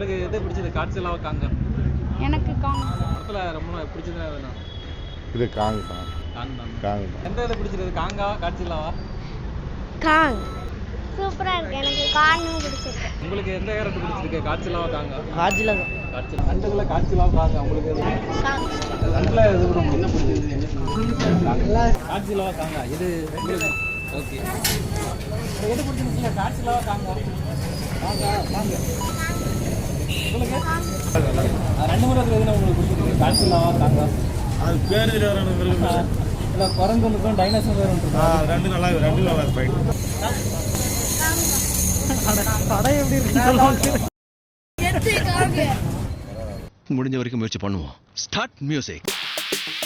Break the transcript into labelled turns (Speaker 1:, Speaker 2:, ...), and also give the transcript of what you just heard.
Speaker 1: உங்களுக்கு எது பிடிச்சது காட்சிலாவா காங்க?
Speaker 2: எனக்கு
Speaker 1: படத்துல ரொம்ப பிடிச்சது எதுனா?
Speaker 3: இது காங் தான்.
Speaker 1: காங் தான்.
Speaker 3: காங் தான்.
Speaker 1: எந்த இது பிடிச்சது காங்காவா காட்சிலாவா?
Speaker 2: காங் சூப்பரா இருக்கு. எனக்கு காங்கும் பிடிச்சிருக்கு.
Speaker 1: உங்களுக்கு எந்த கேரக்டர் பிடிச்சிருக்கு காட்சிலாவா காங்க?
Speaker 2: காஜில தான்.
Speaker 1: காட்சிலா. ரெண்டுல காட்சிலாவா காங்க உங்களுக்கு எது?
Speaker 2: காங்
Speaker 1: ரெண்டுல எது ரொம்ப என்ன பிடிச்சது? காட்சிலாவா காங்க இது உங்களுக்கு ஓகே. எது பிடிச்சிருக்கீங்க காட்சிலாவா காங்க? காங்க காங்க. உங்களுக்கு ரெண்டு முறை எதுனா உங்களுக்கு பிடிச்சிருக்கு காட்சிலாவா காங்க?
Speaker 3: அது பேர் தெரியாத
Speaker 1: இல்லை குரங்குக்கும் டைனோசர் வேறு ஒன்று
Speaker 3: ரெண்டு நல்லா ஃபைட்.
Speaker 1: படம் எப்படி இருக்கு?
Speaker 4: முடிஞ்ச வரைக்கும் முயற்சி பண்ணுவோம். Start music.